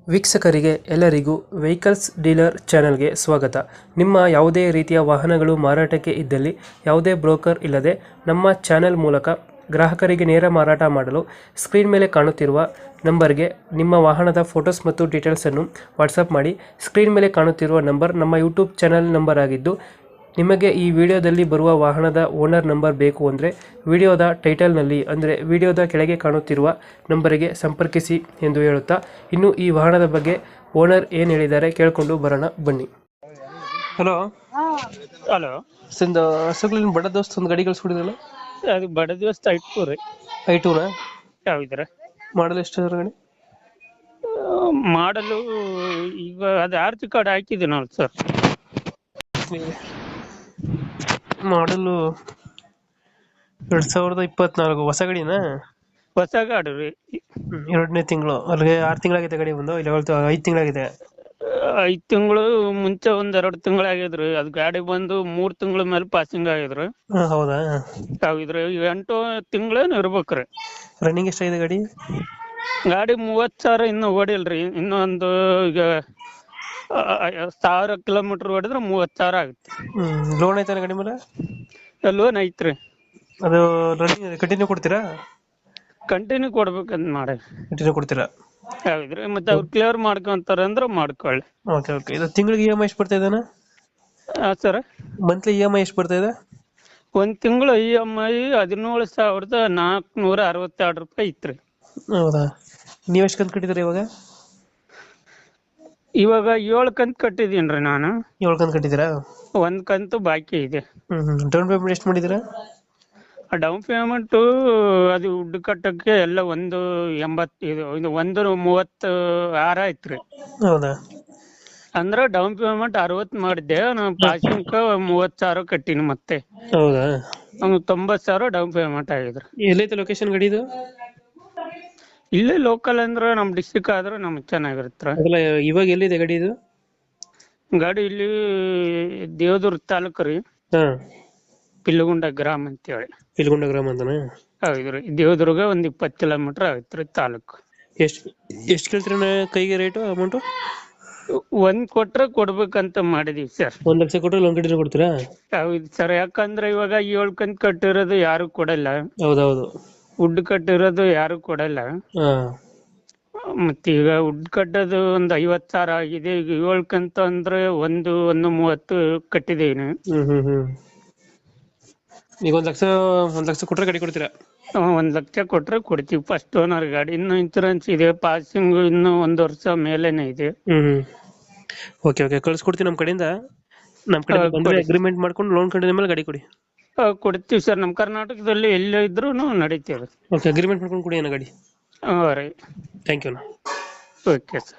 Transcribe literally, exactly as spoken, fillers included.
ವೀಕ್ಷಕರಿಗೆ ಎಲ್ಲರಿಗೂ vehicles dealer ಚಾನೆಲ್ಗೆ ಸ್ವಾಗತ. ನಿಮ್ಮ ಯಾವುದೇ ರೀತಿಯ ವಾಹನಗಳು ಮಾರಾಟಕ್ಕೆ ಇದ್ದಲ್ಲಿ ಯಾವುದೇ ಬ್ರೋಕರ್ ಇಲ್ಲದೆ ನಮ್ಮ ಚಾನೆಲ್ ಮೂಲಕ ಗ್ರಾಹಕರಿಗೆ ನೇರ ಮಾರಾಟ ಮಾಡಲು ಸ್ಕ್ರೀನ್ ಮೇಲೆ ಕಾಣುತ್ತಿರುವ ನಂಬರ್ಗೆ ನಿಮ್ಮ ವಾಹನದ ಫೋಟೋಸ್ ಮತ್ತು ಡೀಟೇಲ್ಸನ್ನು ವಾಟ್ಸಪ್ ಮಾಡಿ. ಸ್ಕ್ರೀನ್ ಮೇಲೆ ಕಾಣುತ್ತಿರುವ ನಂಬರ್ ನಮ್ಮ ಯೂಟ್ಯೂಬ್ ಚಾನೆಲ್ ನಂಬರ್ ಆಗಿದ್ದು, ನಿಮಗೆ ಈ ವಿಡಿಯೋದಲ್ಲಿ ಬರುವ ವಾಹನದ ಓನರ್ ನಂಬರ್ ಬೇಕು ಅಂದರೆ ವಿಡಿಯೋದ ಟೈಟಲ್ನಲ್ಲಿ ಅಂದರೆ ವಿಡಿಯೋದ ಕೆಳಗೆ ಕಾಣುತ್ತಿರುವ ನಂಬರಿಗೆ ಸಂಪರ್ಕಿಸಿ ಎಂದು ಹೇಳುತ್ತಾ, ಇನ್ನು ಈ ವಾಹನದ ಬಗ್ಗೆ ಓನರ್ ಏನು ಹೇಳಿದ್ದಾರೆ ಕೇಳಿಕೊಂಡು ಬರೋಣ ಬನ್ನಿ. ಹಲೋ ಹಲೋ ಸಂದ ಹಸುಗಳಿನ ಬಡ ದೋಸ್ತ್ ಒಂದು ಗಾಡಿ ಕಳಿಸ್ಬಿಡಿದ್ರಲ್ಲ, ಅದು ಬಡ ದಿವಸ ಐಟು ರೀ. ಐಟೂನ ಯಾವಿದ್ರ ಮಾಡಲ್ ಎಷ್ಟು ಅದ್ರ ಗಾಡಿ? ಮಾಡಲು ಈಗ ಅದು ಆರ್ತಿ ಕಾರ್ಡ್ ಹಾಕಿದೆ ನೋಡಿ ಸರ್. ಮಾಡಲು ಎರಡ್ ಸಾವಿರದ ಇಪ್ಪತ್ನಾಲ್ಕು ಹೊಸ ಗಾಡಿನಾ? ಹೊಸ ಗಾಡಿ ರೀ. ಎರಡನೇ ತಿಂಗಳು ಅಲ್ಲಿಗೆ ಆರು ತಿಂಗಳಾಗಿದೆ ಗಾಡಿ ಬಂದು, ಇಲ್ಲ ಐದು ತಿಂಗಳಾಗಿದೆ. ಐದ್ ತಿಂಗಳು ಮುಂಚೆ ಒಂದ್ ಎರಡು ತಿಂಗಳಾಗಿದ್ರಿ. ಅದು ಗಾಡಿ ಬಂದು ಮೂರ್ ತಿಂಗಳ ಮೇಲೆ ಪಾಸಿಂಗ್ ಆಗಿದ್ರಿ. ಹಾ, ಹೌದಾ? ಯಾವಿದ್ರಿ ಎಂಟು ತಿಂಗಳೇನು ಇರ್ಬೇಕ್ರಿ. ರನ್ನಿಂಗ್ ಎಷ್ಟಾಗಿದೆ ಗಾಡಿ? ಗಾಡಿ ಮೂವತ್ ಸಾವಿರ ಇನ್ನು ಓಡಿಲ್ರಿ. ಇನ್ನೊಂದು ಈಗ ಸಾವಿರ ಕಿಲೋಮೀಟರ್ ಓಡಿದ್ರೆ ಮೂವತ್ ಸಾವಿರ ಆಗುತ್ತೆ. ಹ್ಮ್ ಲೋನ್ ಐತಾನ ಗಾಡಿ ಮೇಲೆ? ಲೋನ್ ಐತ್ರಿ. ಅದು ರನ್ನಿಂಗ್ ಕಂಟಿನ್ಯೂ ಕೊಡ್ತೀರಾ? ಕಂಟಿನ್ಯೂ ಕೊಡ್ಬೇಕಂತ ಮಾಡಿ. ಕಂಟಿನ್ಯೂ ಕೊಡ್ತೀರಾ? ಹೌದ್ರಿ. ಮತ್ತೆ ಅವ್ರು ಕ್ಲಿಯರ್ ಮಾಡ್ಕೊಂತಾರ ಅಂದ್ರೆ ಮಾಡ್ಕೊಳ್ಳಿ. Okay okay. ಇದು ತಿಂಗಳಿಗೆ ಇ ಎಮ್ ಐ ಎಷ್ಟು ಬರ್ತಾ ಇದ್ದಾನ? Sir, monthly E M I ಎಷ್ಟು ಬರ್ತಾ ಇದೆ? ಒಂದ್ ತಿಂಗಳು ಇ ಎಮ್ ಐ ಹದಿನೇಳು ಸಾವಿರದ ನಾಲ್ಕುನೂರ ಅರವತ್ತೆರಡು ರೂಪಾಯಿ ಇತ್ರಿ. ಹೌದಾ? ನೀವ್ ಎಷ್ಟು ಕಂತು ಕಟ್ಟಿದ್ರಿ ಇವಾಗ? ಇವಾಗ ಏಳು ಕಂತು ಕಟ್ಟಿದೀನ್ರಿ ನಾನು. ಏಳು ಕಂತು ಕಟ್ಟಿದ್ದೀರಾ? ಒಂದ್ ಕಂತು ಬಾಕಿ ಇದೆ. ಹ್ಮ್ ಹ್ಮ್ ಡೌನ್ ಪೇಮೆಂಟ್ ಎಷ್ಟು ಮಾಡಿದ್ದೀರಾ? ಡೌನ್ ಪೇಮೆಂಟ್ ಅದು ದುಡ್ಡು ಕಟ್ಟಕ್ಕೆ ಎಲ್ಲ ಒಂದು ಎಂಬತ್ ಇದು ಇದು ಒಂದು ಮೂವತ್ತು ಆರ ಐತ್ರಿ. ಹೌದಾ? ಅಂದ್ರ ಡೌನ್ ಪೇಮೆಂಟ್ ಅರವತ್ ಮಾಡಿದ್ದೆ ನಾನು. ಪಾಸಿಂಗ್ ಮೂವತ್ ಸಾವಿರ ಕಟ್ಟಿನಿ. ಮತ್ತೆ ಹೌದಾ? ಅವ್ನು ತೊಂಬತ್ ಸಾವಿರ ಡೌನ್ ಪೇಮೆಂಟ್ ಆಗಿದ್ರಿ. ಎಲ್ಲೈತೆ ಲೊಕೇಶನ್ ಗಾಡಿ ಇದು? ಇಲ್ಲೇ ಲೋಕಲ್ ಅಂದ್ರೆ ನಮ್ ಡಿಸ್ಟಿಕ್ ಆದ್ರೆ ನಮ್ಗೆ ಚೆನ್ನಾಗಿರುತ್ತೆ. ಅದಲ್ಲ, ಇವಾಗ ಎಲ್ಲಿದೆ ಗಾಡಿ ಇದು? ಗಾಡಿ ಇಲ್ಲಿ ದೇವದುರ್ಗ ತಾಲೂಕು ರೀ, ಹಾ, ಪಿಲ್ಲಗುಂಡ ಗ್ರಾಮ ಅಂತ ಹೇಳಿ. ಪಿಲ್ಗುಂಡ ಗ್ರಾಮ ಅಂತನಾ? ಹೌದ್ರಿ. ದೇವದುರ್ಗ ಒಂದ್ ಇಪ್ಪತ್ ಕಿಲೋಮೀಟರ್ ಆಗತ್ರಿ ತಾಲೂಕು. ಎಷ್ಟು ಎಷ್ಟು ಕೇಳ್ತೀರಣ್ಣ ಕೈಗೆ ರೇಟು ಅಮೌಂಟು? ಒಂದ್ ಕೊಟ್ರೆ ಕೊಡ್ಬೇಕಂತ ಮಾಡಿದೀವಿ ಸರ್. ಒಂದ್ ಲಕ್ಷ ಕೊಟ್ಟರೆ ಲೋನ್ ಕಂಟಿನ್ಯೂ ಕೊಡ್ತೀರಾ? ಹೌದು ಸರ್. ಯಾಕಂದ್ರೆ ಇವಾಗ ಏಳ್ ಕಂತ್ ಕಟ್ಟಿರೋದು ಯಾರು ಕೊಡಲ್ಲ, ಹೌದೌದು. ವುಡ್ ಕಟ್ಟಿರೋದು ಯಾರು ಕೊಡಲ್ಲ. ಹಾ, ಮತ್ತೆ ಈಗ ವುಡ್ ಕಟ್ಟೋದು ಒಂದ್ ಐವತ್ ಸಾವಿರ ಆಗಿದೆ. ಈಗ ಏಳ್ ಕಂತು ಅಂದ್ರೆ ಒಂದು ಒಂದು ಮೂವತ್ತು ಕಟ್ಟಿದೀನಿ. ಹ್ಮ್ ಹ್ಮ್ ಹ್ಮ್ ಈಗ ಒಂದ್ ಲಕ್ಷ ಒಂದ್ ಲಕ್ಷ ಕೊಟ್ರೆ ಗಾಡಿ ಕೊಡ್ತೀರಾ? ಒಂದ್ ಲಕ್ಷ ಕೊಟ್ರೆ ಕೊಡ್ತೀವಿ. ಫಸ್ಟ್ ಓನರ್ ಗಾಡಿ. ಇನ್ನು ಇನ್ಸೂರೆನ್ಸ್ ಇದೆ, ಪಾಸಿಂಗ್ ಇನ್ನು ಒಂದ್ ವರ್ಷ ಮೇಲೇನೆ ಇದೆ. ಹ್ಮ್ ಹ್ಮ್ ಓಕೆ ಓಕೆ. ಕಳ್ಸ್ಕೊಡ್ತೀವಿ ನಮ್ಮ ಕಡೆಯಿಂದ. ನಮ್ಮ ಕಡೆ ಬಂದ್ರೆ ಅಗ್ರಿಮೆಂಟ್ ಮಾಡ್ಕೊಂಡು ಲೋನ್ ಕಂಟಿನ್ಯೂ ಮೇಲೆ ಗಾಡಿ ಕೊಡಿ. ಕೊಡ್ತೀವಿ ಸರ್. ನಮ್ ಕರ್ನಾಟಕದಲ್ಲಿ ಎಲ್ಲೇ ಇದ್ರು ನಡೀತೇವೆ. ಓಕೆ, ಅಗ್ರಿಮೆಂಟ್ ಮಾಡ್ಕೊಂಡು ಕೊಡಿ ಅಣ್ಣ ಗಾಡಿ. ಹಾ ರೀ. ಥ್ಯಾಂಕ್ ಯು ಅಣ್ಣ. Okay sir.